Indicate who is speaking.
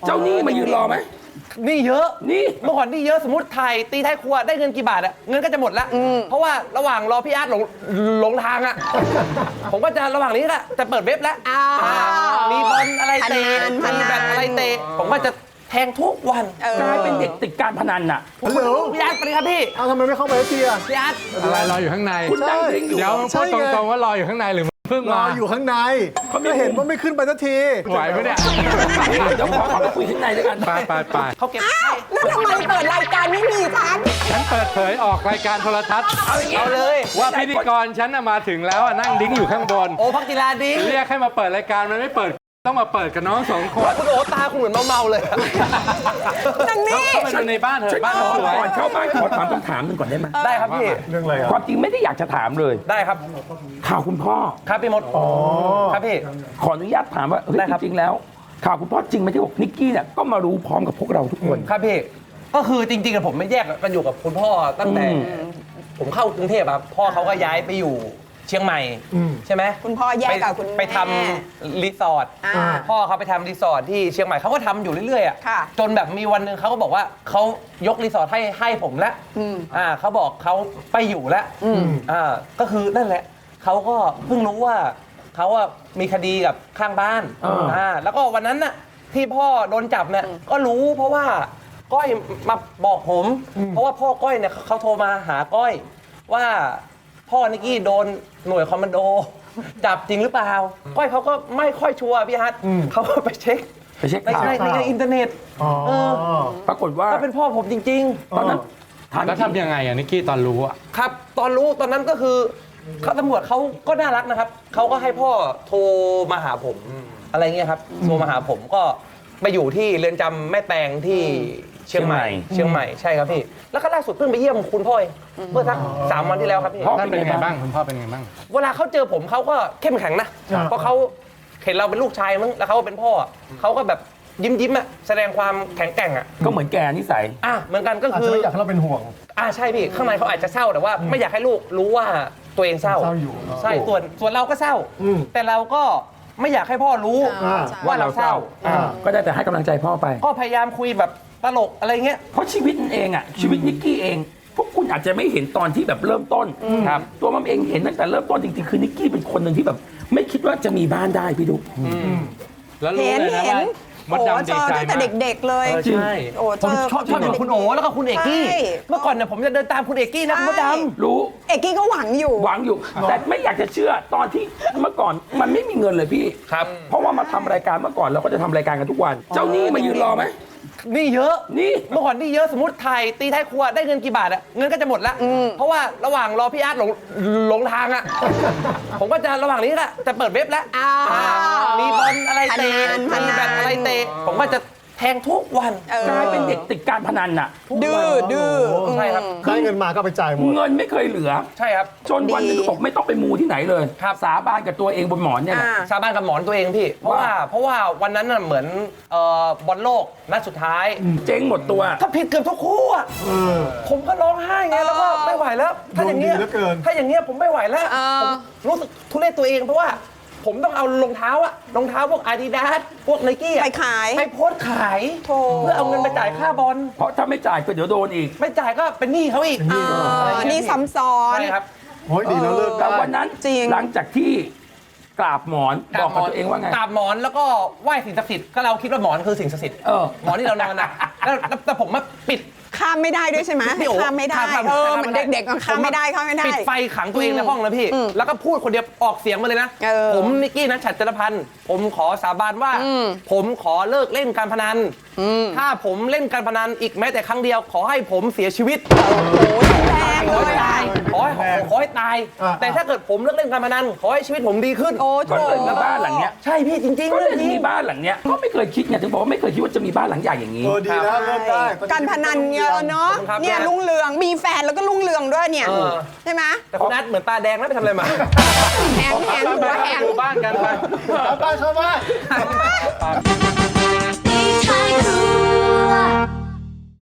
Speaker 1: เจ้าหนี้มายืนรอไหม
Speaker 2: นี่เยอะ
Speaker 1: นี่
Speaker 2: เมื่อก่อนนี่เยอะสมมติถ่ายตีท้ายครัวได้เงินกี่บาทอะเงินก็จะหมดละเพราะว่าระหว่างรอพี่อาร์ตหลงทางอะผมก็จะระหว่างนี้ก็จะเปิดเว็บแล้วมีบอลอะไรเตะมีแบบอะไรเตะผมก็จะแทงทุกวัน
Speaker 1: กลายเป็นเด็กติดการพนันน่ะ
Speaker 3: ฮัลโหล
Speaker 2: พี่อาร์ตไปเลยครับพี่
Speaker 3: เอาทำไมไม่เข้าไปสักทีอ่ะ
Speaker 2: พี่อาร์ต
Speaker 4: อะไรรออยู่ข้างใน
Speaker 1: คุณนั่งดิ้งอยู่
Speaker 4: เดี๋ยวพูดตรงๆว่ารออยู่ข้างในหรือเพิ่ง
Speaker 3: ร
Speaker 4: มา
Speaker 3: ออยู่ข้างในก็เห็นว่าไม่ขึ้นไปสักที
Speaker 4: ไหวไหมเนี่ย
Speaker 1: เดี๋ยวขอไปคุยข้างในด้วยกัน
Speaker 4: ไป
Speaker 2: เขาเก็บ
Speaker 5: แล้วทำไมเปิดรายการไม่มีฉัน
Speaker 4: เปิดเผยออกรายการโทรทัศน์
Speaker 2: เอาเลย
Speaker 4: ว่าพิธีกรฉันมาถึงแล้วนั่งดิ้งอยู่ข้างบน
Speaker 2: โอ้พักกีฬาดิ้ง
Speaker 4: เรียกให้มาเปิดรายการมันไม่เปิดต้องมาเปิดกับน้องสองคน
Speaker 2: คุณโอตาคุณเหมือนเมาเลย
Speaker 5: นังนี่
Speaker 4: เข้าไปดูในบ้านเถอะบ้านสวย
Speaker 1: ก่อนเข้าบ้านขอถามคำถามหนึ่งก่อนได้ไหม
Speaker 2: ได้ครับพี่
Speaker 3: เรื่องอะไรอ่ะ
Speaker 1: ความจริงไม่ได้อยากจะถามเลย
Speaker 2: ได้ครับ
Speaker 1: ข่าวคุณพ่อ
Speaker 2: ครับพี่มดครับพี่
Speaker 1: ขออนุญาตถามว่าเฮ้ยจริงๆแล้วข่าวคุณพ่อจริงไหมที่บอกนิกกี้เนี่ยก็มารู้พร้อมกับพวกเราทุกคน
Speaker 2: ครับพี่ก็คือจริงๆผมไม่แยกกันอยู่กับคุณพ่อตั้งแต่ผมเข้ากรุงเทพครับพ่อเขาก็ย้ายไปอยู่เชียงใหม่ใช่ไหม
Speaker 5: คุณพ่อแยกกับคุณ
Speaker 2: ไปทำรีสอร์ทพ่อเขาไปทำรีสอร์ทที่เชียงใหม่เขาก็ทำอยู่เรื่อยๆอ่ะจนแบบมีวันหนึ่งเขาก็บอกว่าเขายกรีสอร์ทให้ผมแล้วเขาบอกเขาไปอยู่แล้วก็คือนั่นแหละเขาก็เพิ่งรู้ว่าเขาว่ามีคดีกับข้างบ้านแล้วก็วันนั้นน่ะที่พ่อโดนจับเนี่ยก็รู้เพราะว่าก้อยมาบอกผมเพราะว่าพ่อก้อยเนี่ยเขาโทรมาหาก้อยว่าพ่อนิกกี้โดนหน่วยคอมมานโดจับจริงหรือเปล่าก้อยเขาก็ไม่ค่อยชัวร์พี่ฮัทเขาก็ไปเช็คในอินเทอร์เน็ต
Speaker 1: ปรากฏว่า
Speaker 2: ก็เป็นพ่อผมจริงๆตอนนั้น
Speaker 4: แล้วทำยังไงนิกกี้ตอนรู้อ่ะ
Speaker 2: ครับตอนรู้ตอนนั้นก็คือตำรวจเขาก็น่ารักนะครับเขาก็ให้พ่อโทรมาหาผมอะไรเงี้ยครับโทรมาหาผมก็ไปอยู่ที่เรือนจำแม่แตงที่เชียงใหม่ใช่ครับพี่แล้วก็ล่าสุดเพิ่งไปเยี่ยมคุณพ่อเมื่อสัก3 วันที่แล้วครับพี่
Speaker 4: พ่อเป็นไงบ้างคุณพ่อเป็นไงบ้าง
Speaker 2: เวลาเขาเจอผมเขาก็เข้มแข็งนะเพราะเขาเห็นเราเป็นลูกชายมั้งแล้วเขาเป็นพ่อเขาก็แบบยิ้มอ่ะแสดงความแข็งแกร่งอ่ะ
Speaker 1: ก็เหมือนแกนิสัย
Speaker 2: เหมือนกันก็คือ
Speaker 3: ไม่อยากให้เราเป็นห่วง
Speaker 2: ใช่พี่ข้างในเขาอาจจะเศร้าแต่ว่าไม่อยากให้ลูกรู้ว่าตัวเองเศร้า
Speaker 3: อยู่
Speaker 2: ใช่ส่วนเราก็เศร้าแต่เราก็ไม่อยากให้พ่อรู้ว่าเราเศร้า
Speaker 1: ก็ได้แต่ให้กำลังใจพ่อไป
Speaker 2: ก็พยายามคุยแบบตลกอะไรเงี้ย
Speaker 1: เพราะชีวิตเองอ่ะชีวิตนิกกี้เองพวกคุณอาจจะไม่เห็นตอนที่แบบเริ่มต้นครับตัวมัมเองเห็นตั้งแต่เริ่มต้นจริงๆคือนิกกี้เป็นคนหนึ่งที่แบบไม่คิดว่าจะมีบ้านได้พี่ดุ
Speaker 4: แล้วรู้เลยนะว่ามดดำดีใจมาก
Speaker 5: ตั้งแต่เด็กๆเลย
Speaker 2: ใช่ผมชอบอยู่คุณโอแล้วก็คุณเอกกี้เมื่อก่อนเนี่ยผมจะเดินตามคุณเอกกี้นะคุณมดดำ
Speaker 1: รู้
Speaker 5: เอกกี้ก็หวังอยู่
Speaker 1: แต่ไม่อยากจะเชื่อตอนที่เมื่อก่อนมันไม่มีเงินเลยพี่
Speaker 2: ครับ
Speaker 1: เพราะว่ามาทำรายการเมื่อก่อนเราก็จะทำรายการกันทุกวันเจ้าหนี้มายืนรอไหม
Speaker 2: นี่เยอะเมื่อก่อนนี่เยอะสมมติถ่ายตีท้ายครัวได้เงินกี่บาทอะเงินก็จะหมดละเพราะว่าระหว่างรอพี่อาร์ตหลงทางอะผมก็จะระหว่างนี้ก็จะเปิดเว็บแล้วมีบอลอะไรเตะมีแบบอะไรเตะผมก็จะแทงทุกวัน
Speaker 1: กลายเป็นเด็กติดการพนันน่ะ
Speaker 5: ดื้อ
Speaker 2: ใช่ครับ
Speaker 3: ได้เงินมาก็ไปจ่ายหมด
Speaker 1: เงินไม่เคยเหลือ
Speaker 2: ใช่ครับ
Speaker 1: จนวันนึงบอกไม่ต้องไปมูที่ไหนเลยสาบานกับตัวเองบนหมอนเนี่ย
Speaker 2: สาบานกับหมอนตัวเองพี่เพราะว่าวันนั้นน่ะเหมือนบอลโลกนัดสุดท้าย
Speaker 1: เจ๊งหมดตัว
Speaker 2: ถ้าผิดเกือบทุกคู่อ่ะผมก็ร้องไห้ไงแล้วก็ไม่ไหวแล้วถ้าอย่างเงี้ยผมไม่ไหวแล้วผมรู้สึกทุเรศตัวเองเพราะว่าผมต้องเอารองเท้าพวก Adidas พวก Nike
Speaker 5: ไปขาย
Speaker 2: ไปโพสขายเพื่อเอาเงินไปจ่ายค่าบอล
Speaker 1: เพราะถ้าไม่จ่ายก็เดี๋ยวโดนอีก
Speaker 2: ไม่จ่ายก็เป็นหนี้เขาอีก
Speaker 5: นี่ซ้ำซ้อน
Speaker 2: ใช่ครับ
Speaker 3: โอ้ยดีแล้วเลิก
Speaker 1: แต่วันนั้นหลังจากที่กราบหมอนบอกกับตัวเองว่าไง
Speaker 2: กราบหมอนแล้วก็ไหว้สิ่งศักดิ์สิทธิ์ก็เราคิดว่าหมอนคือสิ่งศักดิ์สิทธิ์หมอนที่เรานอนนะแต่ผมมาปิด
Speaker 5: ข้ามไม่ได้ด้วยใช่ไหมข้ามไม่ได้เหมือนเด็กๆข้ามไม่ได้
Speaker 2: ปิดไฟขังตัวเองในห้องแล้วพี่แล้วก็พูดคนเดียวออกเสียงมาเลยนะผมนิกกี้นัชชัดจรพันธ์ผมขอสาบานว่าผมขอเลิกเล่นการพนันถ้าผมเล่นการพนันอีกแม้แต่ครั้งเดียวขอให้ผมเสียชีวิตขอให้ตายแต่ถ้าเกิดผมเลิกเล่นการพนันขอให้ชีวิตผมดีขึ้น
Speaker 1: ก็เลยมีบ้านหลังเนี้ย
Speaker 2: ใช่พี่จริงๆ
Speaker 1: ก็เลยมีบ้านหลังเนี้ยก็ไม่เคยคิดไงถึงบอกว่าไม่เคยคิดว่าจะมีบ้านหลังใหญ่อย่างนี้
Speaker 3: ดีแล้วเริ่มได้
Speaker 5: การพนันเยอะเนาะเนี่ยลุงเรืองมีแฟนแล้วก็ลุงเรืองด้วยเนี่ยใช่ไหม
Speaker 2: แต่คุณนัทเหมือนตาแดงนะไปทำอะไรมา
Speaker 5: แหงหัวแหง
Speaker 4: บ้านกันไป
Speaker 3: เข้าบ้าน